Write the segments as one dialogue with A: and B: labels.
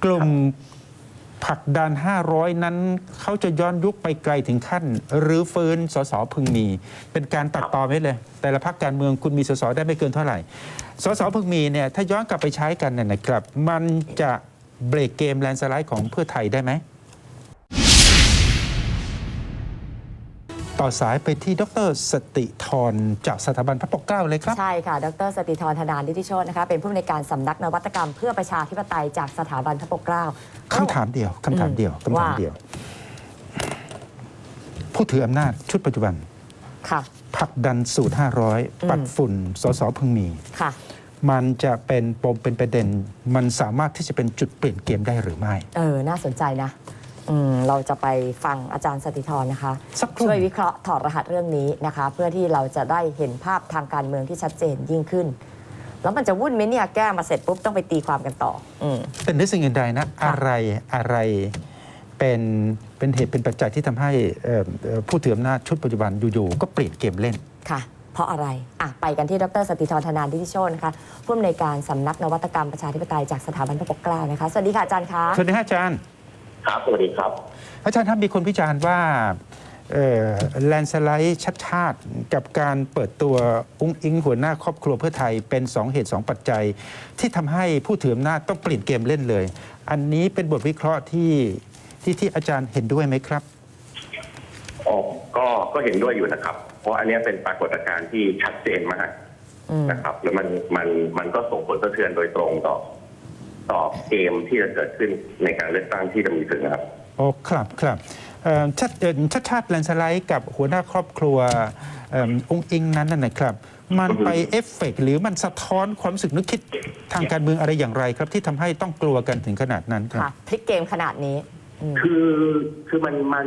A: กลุ่มผลักดัน500นั้นเขาจะย้อนยุคไปไกลถึงขั้นรื้อฟื้นสสพึงมีเป็นการตัดต่อไว้เลย แต่ละพรรคการเมืองคุณมีสสได้ไม่เกินเท่าไหร่สสพึงมีเนี่ยถ้าย้อนกลับไปใช้กันเนี่ยนะครับมันจะเบรกเกมแลนด์สไลด์ของเพื่อไทยได้ไหมต่อสายไปที่ดร.สติธรจากสถาบันพระปกเกล้าเลยครับ
B: ใช่ค่ะดร.สติธรธนานิติโชตินะคะเป็นผู้อำนวยการสำนักนวัตกรรมเพื่อประชาธิปไตยจากสถาบันพระปกเกล้า
A: คำถามเดียวผู้ถืออำนาจชุดปัจจุบัน
B: ค่ะ
A: ผลักดันสูตร500ปัดฝุ่นสสพึงมี
B: ค่ะ
A: มันจะเป็นปมเป็นประเด็นมันสามารถที่จะเป็นจุดเปลี่ยนเกมได้หรือไม่
B: น่าสนใจนะเราจะไปฟังอาจารย์สติธรนะคะช่วยวิเคราะห์ถอดรหัสเรื่องนี้นะคะเพื่อที่เราจะได้เห็นภาพทางการเมืองที่ชัดเจนยิ่งขึ้นแล้วมันจะวุ่นไหมเนี่ยแก้มาเสร็จปุ๊บต้องไปตีความกันต่อ
A: เป็นด้วยสิ่งอื่นใดนะอะไรเป็นเหตุเป็นปัจจัยที่ทำให้ผู้ถืออำนาจชุดปัจจุบันอยู่ๆก็เปลี่ยนเกมเล่น
B: ค่ะเพราะอะไรไปกันที่ดร.สติธรธนานิติโชตินะคะผู้อำนวยการสำนักนวัตกรรมประชาธิปไตยจากสถาบันพระปกเกล้านะคะสวัสดีค่ะอาจารย์คะ
A: สวัสดีอาจารย์
C: ครับสวัสดีครับ
A: อาจารย์ครับมีคนวิจารณ์ว่าแลนด์สไลด์ชัดชาติกับการเปิดตัวอุ้งอิงหัวหน้าครอบครัวเพื่อไทยเป็น2เหตุ2ปัจจัยที่ทำให้ผู้ถืออำนาจต้องเปลี่ยนเกมเล่นเลยอันนี้เป็นบทวิเคราะห์ที่อาจารย์เห็นด้วยไหมครับ
C: ก็เห็นด้วยอยู่นะครับเพราะอันนี้เป็นปรากฏการณ์ที่ชัดเจนมากนะครับแล้วมันก็ส่งผลสะเทือนโดยตรงต่อเกมที่จะเกิดขึ้นในการเลือกตั้งที่จะมีขึ้นนะครับ
A: ครับชัดแลนด์สไลด์กับหัวหน้าครอบครัวองค์อิงนั้นนะครับมันไปเอฟเฟกต์หรือมันสะท้อนความรู้สึกนึกคิดทางการเมืองอะไรอย่างไรครับที่ทำให้ต้องกลัวกันถึงขนาดนั้นครับ
B: พลิกเกมขนาดนี้
C: คือ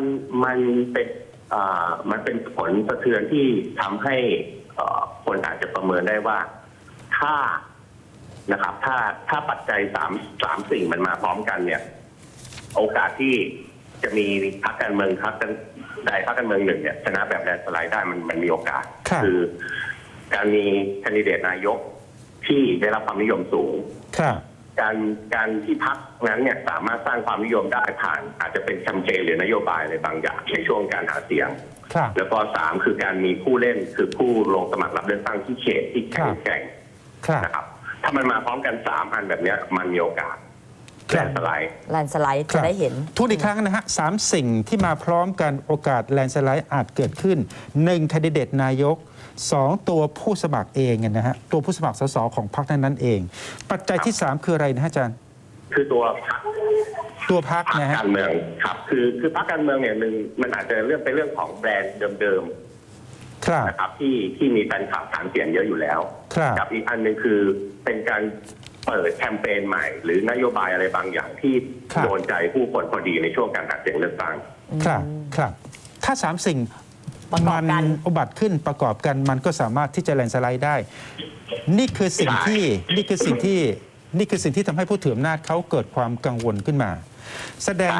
C: มันเป็นผลสะเทือนที่ทำให้คนอาจจะประเมินได้ว่าถ้าปัจจัยสามสิ่งมันมาพร้อมกันเนี่ยโอกาสที่จะมีพรรคการเมืองพรรคการเมืองหนึ่งเนี่ยชนะแบบแลนด์สไลด์ได้มันมีโอกาสคือการมีแคนดิเดตนายกที่ได้รับความนิยมสูงการที่พรรคนั้นเนี่ยสามารถสร้างความนิยมได้ผ่านอาจจะเป็นแคมเปญหรือนโยบายอะไรบางอย่างในช่วงการหาเสียงแล้วก็3คือการมีผู้เล่นคือผู้ลงสมัครรับเลือกตั้งที่เขตที่แข็งแกร่งนะครับถ้ามันมาพร้อมกัน3อันแบบนี้มันมีโอกาสแลนด์สไลด์
B: จะได้เห็น
A: ทุกอีกครั้งนะฮะ3สิ่งที่มาพร้อมกันโอกาสแลนด์สไลด์อาจเกิดขึ้น1แคนดิเดตนายก2ตัวผู้สมัครเองนะฮะตัวผู้สมัครสสของพรรคนั้นเองปัจจัยที่3คืออะไรนะอาจารย์
C: คือตัว
A: พรรคนะฮะ
C: การเมืองครับคือพรรคการเมืองเนี่ยมันอาจจะเป็นเรื่องของแบรนด์เดิมๆนะครับที่มีแฟนคลับฐานเสียงเยอะอยู่แล้วกับอีกอันนึงคือเป็นการเปิดแคมเปญใหม่หรือนโยบายอะไรบางอย่างที่โดนใจผู้คนพอดีในช่วงการหาเสียงเลือกตั้ง
A: ครับถ้า3สิ่งมันอุบัติขึ้นประกอบกันมันก็สามารถที่จะแลนด์สไลด์ได้นี่คือสิ่งที่ทำให้ผู้ถืออำนาจเขาเกิดความกังวลขึ้นมาแสดง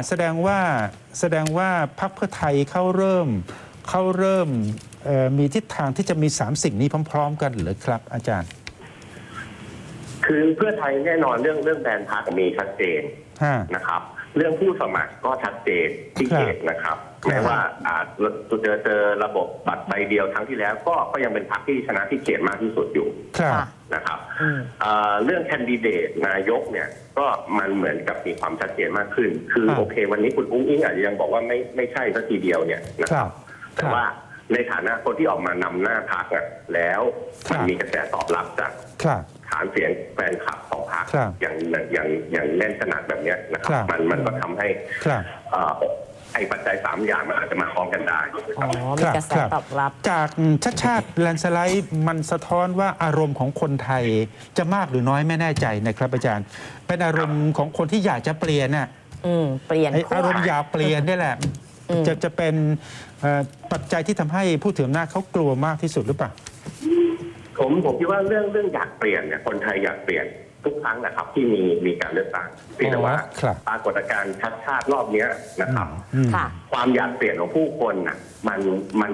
A: ว่าพรรคเพื่อไทยเขาเริ่มมีทิศทางที่จะมี3สิ่งนี้พร้อมๆกันหรือครับอาจารย์
C: คือเพื่อไทยแน่นอนเรื่องแบรนด์พรรคมีชัดเจนนะครับเรื่องผู้สมัครก็ชัดเจนที่เขตนะครับแม้ว่าเจอระบบบัตรใบเดียวครั้งที่แล้วก็ยังเป็นพรรคที่ชนะที่เขตมากที่สุดอยู่นะครับเรื่องแคนดิเดตนายกเนี่ยก็มันเหมือนกับมีความชัดเจนมากขึ้นคือโอเควันนี้คุณอุ้งอิงอาจจะยังบอกว่าไม่ใช่สักทีเดียวเนี่ยนะครับแต่ว่าในฐานะคนที่ออกมานำหน้าพรรคแล้วมันมีกระแสตอบรับจากฐานเสียงแฟนคลับของพรรคอย่างแน่นขนาดแบบนี้นะครับมันก็ทำให้ไอ้ปัจจัย3อย่างมันอาจจะมาพร้อมกันได้
B: มีกระแสตอบรับ
A: จากชาติแลนด์สไลด์มันสะท้อนว่าอารมณ์ของคนไทยจะมากหรือน้อยไม่แน่ใจนะครับอาจารย์เป็นอารมณ์ของคนที่อยากจะเปลี่ยนน่ะ
B: เปลี่ยน
A: อารมณ์อยากเปลี่ยนนี่แหละจะเป็นปัจจัยที่ทำให้ผู้ถืออำนาจเขากลัวมากที่สุดหรือเปล่า
C: ผมคิดว่าเรื่องอยากเปลี่ยนเนี่ยคนไทยอยากเปลี่ยนทุกครั้งนะครับที่มีการเลือกตั้งแต่ว่าปรากฏการณ์ชัดชาติรอบนี้นะครับความอยากเปลี่ยนของผู้คนน่ะ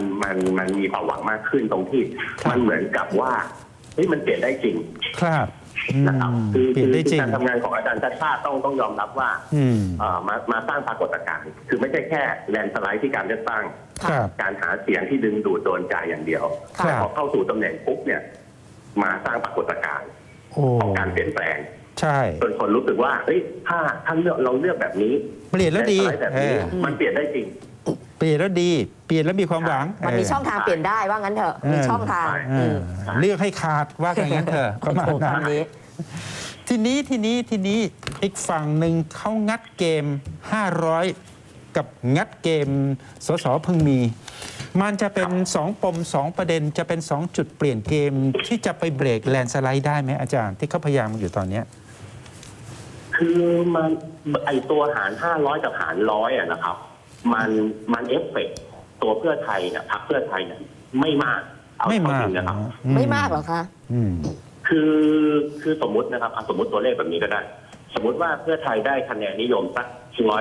C: มันมีความหวังมากขึ้นตรงที่มันเหมือนกับว่ามันเปลี่ยนได้จริงนะครับ
A: เปลี่ยนได้จริง
C: การทำงานของอาจารย์ชาติชาติต้องยอมรับว่า มาสร้างปรากฏการณ์คือไม่ใช่แค่แลนด์สไลด์ที่การเลือกตั้ง
A: ครับ
C: การหาเสียงที่ดึงดูดโดนใจอย่างเดียว
A: ครับ
C: แต่พอเข้าสู่ตำแหน่งปุ๊บเนี่ยมาสร้างปรากฏการณ์
A: โอ้
C: ของการเปลี่ยนแปลง
A: ใช่
C: จนคนรู้สึกว่าเฮ้ยถ้าเราเลือกแบบนี้
A: เปลี่ยนแล้วดี
C: สได์แบบนี้มันเปลี่ยนได้จริง
A: เปลี่ยนแล้วดีเปลี่ยนแล้วมีความหวัง
B: มันมีช่องทางเปลี่ยนได้ว่างั้นเถอะมีช่องทาง
A: เออเลือกให้ขาดว่าอย่างนั้นเถอะประมาณนั้น
B: นี้
A: ทีนี้อีกฝั่งหนึ่งเขางัดเกม 500 กับงัดเกมสสพึงมี มันจะเป็น2ปม2ประเด็นจะเป็น2จุดเปลี่ยนเกมที่จะไปเบรกแลนด์สไลด์ได้ไหมอาจารย์ที่เขาพยายามอยู่ตอนเนี้ย
C: คือมันไอตัวหาร 500 กับหาร 100อะนะครับ มันเอฟเฟกต์ตัวเพื่อไทยเนี่ยพรรคเพื่อไทยเนี่ยไม่มากเอา
A: ไม่มาก
C: จริงนะครับ
B: ไม่มากหรอคะ
A: อืม
C: คือสมมุตินะครับสมมติตัวเลขแบบนี้ก็ได้ สมมติว่าเพื่อไทยได้คะแนนนิยมสัก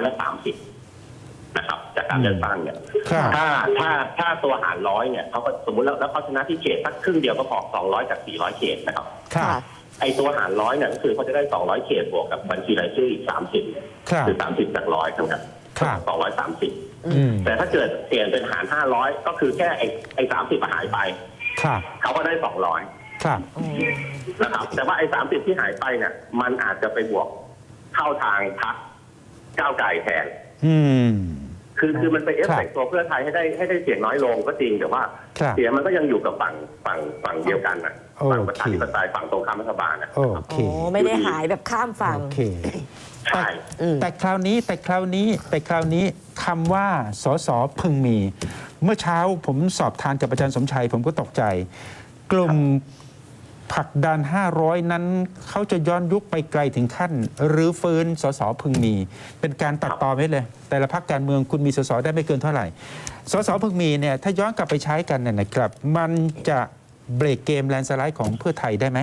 C: 130นะครับจากการเลือกตั้งเนี่ย
A: ครับ
C: ถ้าตัวหาร 100เนี่ยเขาก็สมมติแล้วเขาชนะที่เขตสักครึ่งเดียวก็พอ200จาก400เขตนะครับ
A: ครับ
C: ไอตัวหาร 100เนี่ยก็คือเขาจะได้200เขตบวกกับบัญชีรายชื่ออีก30
A: ครับ
C: คือ30จาก100ครับ
A: ครับ
C: 230
A: อืม
C: แต่ถ้าเกิดเปลี่ยนเป็นหาร 500 ก็คือแค่ไอ้30หายไป
A: ครับ
C: เขาก็ได้
A: ครับ
C: 200นะครับแต่ว่าไอ้30ที่หายไปเนี่ยมันอาจจะไปบวกเข้าทางพรรคก้าวไกลแทน
A: อืม
C: คือมันไปเอฟเฟกต์ตัวเพื่อไทยให้ได้เสียงน้อยลงก็จริงแต่ว่า
A: ครับ
C: เสียงมันก็ยังอยู่กับฝั่งเดียวกันนะ
A: โอเค
C: ฝั่งประชาธิปไตยฝั่งตรงข้ามรัฐบาลนะ
A: โอเค
B: โอ้ไม่ได้หายแบบข้ามฝั่ง
A: โอเค
C: ใช่
A: แต่คราวนี้คำว่าสสพึงมี เมื่อเช้าผมสอบทานกับอาจารย์สมชัย ผมก็ตกใจ กลุ่มผลักดัน 500 นั้นเขาจะย้อนยุคไปไกลถึงขั้นหรือฟื้นสสพึงมี เป็นการตัดต่อไว้เลย แต่ละพรรคการเมืองคุณมีสสได้ไม่เกินเท่าไหร่สสพึงมีเนี่ยถ้าย้อนกลับไปใช้กันเนี่ยนะครับ มันจะเบรกเกมแลนด์สไลด์ของเพื่อไทยได้ไหม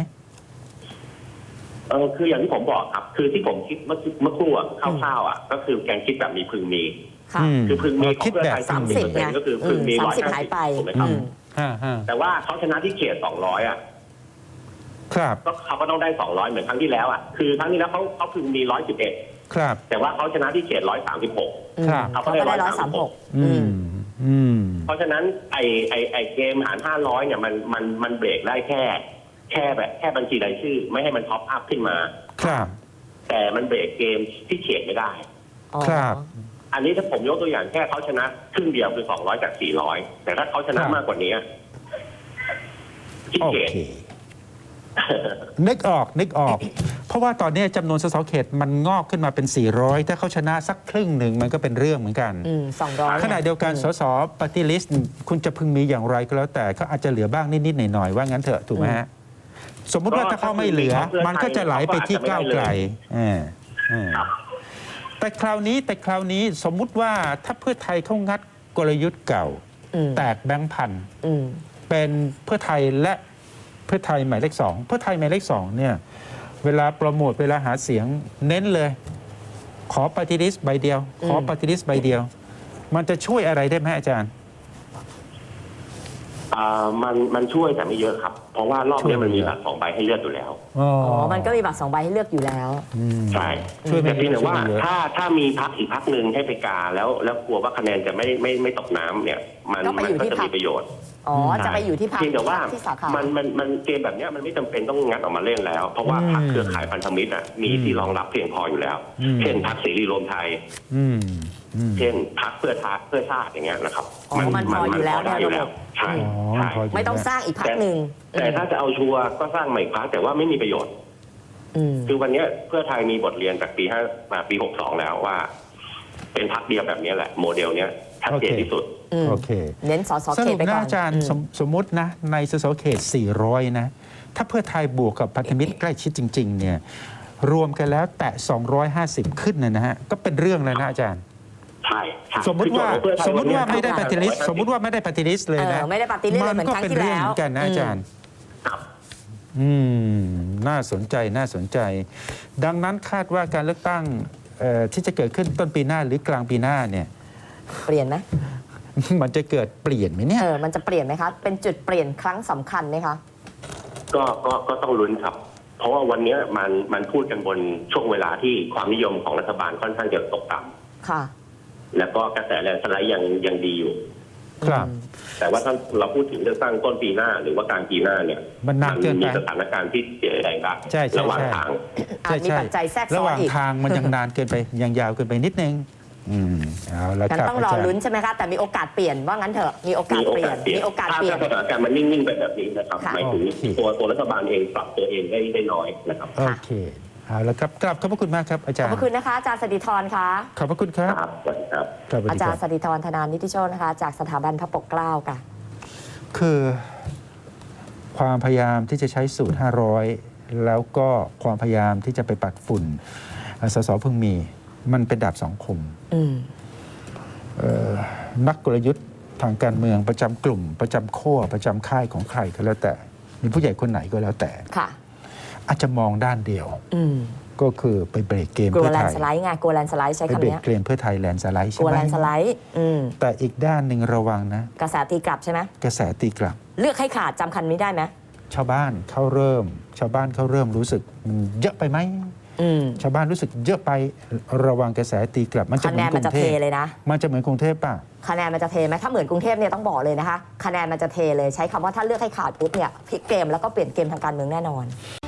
C: คืออย่างที่ผมบอกครับ คือที่ผมคิดเมื่อครู่อะคร่าวๆอะก็คือแกงคิดแบบมีพึงมี
B: ค่ะ
C: คือพึงมีของ
A: คิด
C: เพื่อ
A: แบบ
C: ไทย
B: 30
C: 30%ก็คือพึงมี
B: 30 หายไป
C: 150ถูกไหมครับ แต่ว่าเขาชนะที่เขต200อ่ะ
A: ครับ
C: ก็เขาก็ต้องได้200เหมือนครั้งที่แล้วอ่ะคือครั้งที่แล้วเขาพึงมี111
A: ครับ
C: แต่ว่าเขาชนะที่เขต136
A: ครับ
C: เขาก็
B: เขา
C: ได้
B: ก็ได้
C: 136
A: อืมอืม
C: เพราะฉะนั้นไอเกมหาร500เนี่ยมันเบรกได้แค่บัญชีรายชื่อ ไม่ให้มันท็อปอัพขึ้นมา
A: ครับ
C: แต่มันเบรกเกมที่เขตไม่ได้
A: ครับ
C: อันนี้ถ้าผมยกตัวอย่างแค่เขาชนะครึ่งเดียวคือ200จาก400แต่ถ้าเขาชนะครับ มากกว่านี้ที่
A: โอ
C: เขต
A: เค นึกออก เพราะว่าตอนนี้จำนวนสสเขตมันงอกขึ้นมาเป็น 400 ถ้าเขาชนะสักครึ่งหนึ่งมันก็เป็นเรื่องเหมือนกัน
B: 200
A: ขณะเดียวกันสสปฏิลิสต์คุณจะพึงมีอย่างไรก็แล้วแต่เขาอาจจะเหลือบ้างนิดๆหน่อยๆว่างั้นเถอะถูกไหมฮะสมมุติว่าถ้าเขาไม่เหลือ มันก็จะไหลไปที่ก้าวไกลแต่คราวนี้สมมุติว่าถ้าเพื่อไทยเขางัดกลยุทธ์เก่า แตกแบงค์พันเป็นเพื่อไทยและเพื่อไทยหมายเลข2เพื่อไทยหมายเลข2เนี่ยเวลาโปรโมทเวลาหาเสียงเน้นเลย ขอปฏิริษีใบเดียว ขอปฏิริษีใบเดียว มันจะช่วยอะไรได้ไหมอาจารย์
C: มันช่วยแต่ไม่เยอะครับ เพราะว่ารอบนี้มันมีบัตร2 ใบให้เลือกอยู่แล้ว
A: อ๋อ
B: มันก็มีบัตร2 ใบให้เลือกอยู่แล้ว
C: ใช่
A: ช่วยไม่
C: แต่เพียงแต่ว่า
A: ช่วยไม่เยอะ
C: ถ้ามีพรรคอีกพรรคหนึ่งให้ไปกาแล้วกลัวว่าคะแนนจะไม่ตกน้ำเนี่ย มัน
B: ก็ไปอยู่
C: ก็
B: ที่
C: จะ
B: พรร
C: มี
B: ค
C: ประโยชน์
B: จะไปอยู่ที่พรรค
C: เพียงแต่ว่า
B: ที่สาขา
C: มันเกมแบบเนี้ยมันไม่จำเป็นต้องงัดออกมาเล่นแล้ว เพราะว่าพรรคเครือข่ายพันธมิตรมีที่รองรับเพียงพออยู่แล้ว เช่นพรรคเสรีรวมไทย เช่นพรรคเพื่อชาติอย่างเงี้ยนะครับ
B: มันพออยู่แล้ว
C: ได้อยู่แล้วใช่ใช่
B: ไม่ต้องสร้างอีกพรรคหนึ่ง
C: แต่ถ้าจะเอาชัวร์ก็สร้างใหม่พรรคแต่ว่าไม่มีประโยชน์คือวันนี้เพื่อไทยมีบทเรียนจากปี62แล้วว่า เป็นพรรคเดียวแบบนี้แหละ โมเดลเนี้ยชัดเจนที่สุด
A: โอเค
B: เน้นสส
A: ส
B: เข
A: รุ
B: ต
A: ป
B: ไปก่
A: นะ
B: อน
A: อาจารย์สมมตินะในสสเขต 400 นะ ถ้าเพื่อไทยบวกกับพันธมิตรใกล้ชิดจริง ๆ เนี่ย รวมกันแล้วแตะ 250 ขึ้นนะฮะ ก็เป็นเรื่องแล้วนะอาจารย์
C: ใช่
A: สมมติว่าไม่ได้ปฏิริษีสมมติว่าไม่ได้ปฏิริษีเลยนะ
B: ไม่ได้ปฏิริษีเลยเหมือน
A: ก็
B: ครั้ง
A: เป็น
B: ที่
A: เรื่อง
B: แล้ว
A: เหมือนกันนะอาจารย์
C: ครับ
A: น่าสนใจ ดังนั้นคาดว่าการเลือกตั้งที่จะเกิดขึ้นต้นปีหน้าหรือกลางปีหน้าเนี่ย
B: เปลี่ยนไหม
A: มันจะเกิดเปลี่ยนไหมเนี่ย
B: มันจะเปลี่ยนไหมคะ เป็นจุดเปลี่ยนครั้งสำคัญไหมคะ
C: ก็ต้องลุ้นครับ เพเพราะว่าวันนี้มันพูดกันบนช่วงเวลาที่ความนิยมของรัฐบาลค่อนข้างจะตกต่
B: ค่ะ
C: ำแล้วก็กระแสแลนด์สไลด์ยังดีอยู่
A: ครับ
C: แต่ว่าถ้าเราพูดถึงเลือกตั้งต้นปีหน้าหรือว่ากลางปีหน้าเนี่ย
A: มันนานเกินไป
C: มีสถานการณ์ที่เปลี่ยนแปลงได้
A: ใช่ใช่
C: ระหว่าง
A: ใช่
C: ทาง
B: อาจมีปัจจัยแทรกซ้อนอีก
A: ระหว่างทางมันยังนานเกินไป ยังยาวเกินไปนิดนึงเอาละ
B: กัน
A: ครับ
B: ต้องรอ
A: อาจารย์
B: ลุ้นใช่ไหมคะ แต่มีโอกาสเปลี่ยนว่างั้นเถอะมีโอกาสเปลี่ยนมีโอกาสเปลี่ยน
C: ถ้าสถานการณ์มันนิ่งๆไปแบบนี้นะครับ
B: ค่ะ
C: หมายถึง
A: โอเค
C: ตัวรัฐบาลเองปรับตัวเองได้น้อยนะครับ
A: โอเคเอาละครับกลับขอบพระคุณมากครับอาจา
B: ข
A: ร
B: อบ
A: ย์
B: พระคุณนะคะอาจารย์สติธรค่ะ
A: ขอบพระคุณครับ
C: ครับสวัสดีครับ
A: ครับสวัส
B: อา
A: ดี
B: จา
A: ค
B: ร
A: รับ
B: ย์สติธรธนานิติโชตนะคะ จากสถาบันพระปกเกล้าค่ะ
A: คือความพยายามที่จะใช้สูตร 500 แล้วก็ความพยายามที่จะไปปัดฝุ่นสสเพิ่งมีมันเป็นดาบสองคม
B: อืม
A: นักกลยุทธ์ทางการเมืองประจำกลุ่ม ประจำขั้วประจำค่ายของใครก็แล้วแต่มีผู้ใหญ่คนไหนก็แล้วแต่
B: ค่ะ
A: อาจจะมองด้านเดียว
B: อืม
A: ก็คือไปเบรกเกม
B: กลัว
A: เพื่อ
B: แล
A: ไท
B: น
A: ย
B: ด์สไลด์ไงกลัวแลนด์สไลด์ใช้
A: ไป
B: คำ
A: เบรก
B: เนี้ย
A: เกมเพื่อไทยแลนด์สไลด์
B: ก
A: ใช่
B: ลัว
A: ไห
B: แล
A: ม
B: นด์สไลด์ อืม
A: แต่อีกด้านหนึ่งระวังนะ
B: กระแสตีกลับใช่ไหม
A: กระแสตีกลับ
B: เลือกให้ขาดจำคันนี้ได้ไหม
A: ชาวบ้านเขาเริ่มรู้สึกมันเยอะไปไหม
B: อืม
A: ชาวบ้านรู้สึกเยอะไประวังกระแสตีกลับ มันจะ
B: คะ
A: เห
B: แน
A: มือน นก
B: มัน
A: รุ
B: จะ
A: งเท
B: เท
A: พ
B: เลยนะ
A: มันจะเหมือนกรุงเทพป่ะ
B: คะแนนมันจะเทไหมถ้าเหมือนกรุงเทพเนี่ยต้องบอกเลยนะคะ คะแนนมันจะเทเลยใช้คำว่าถ้าเลือกให้ขาดปุ๊บเนี่ยพลิกเกมแล้วก็เปลี่ยนเกมทางการเมืองแน่นอน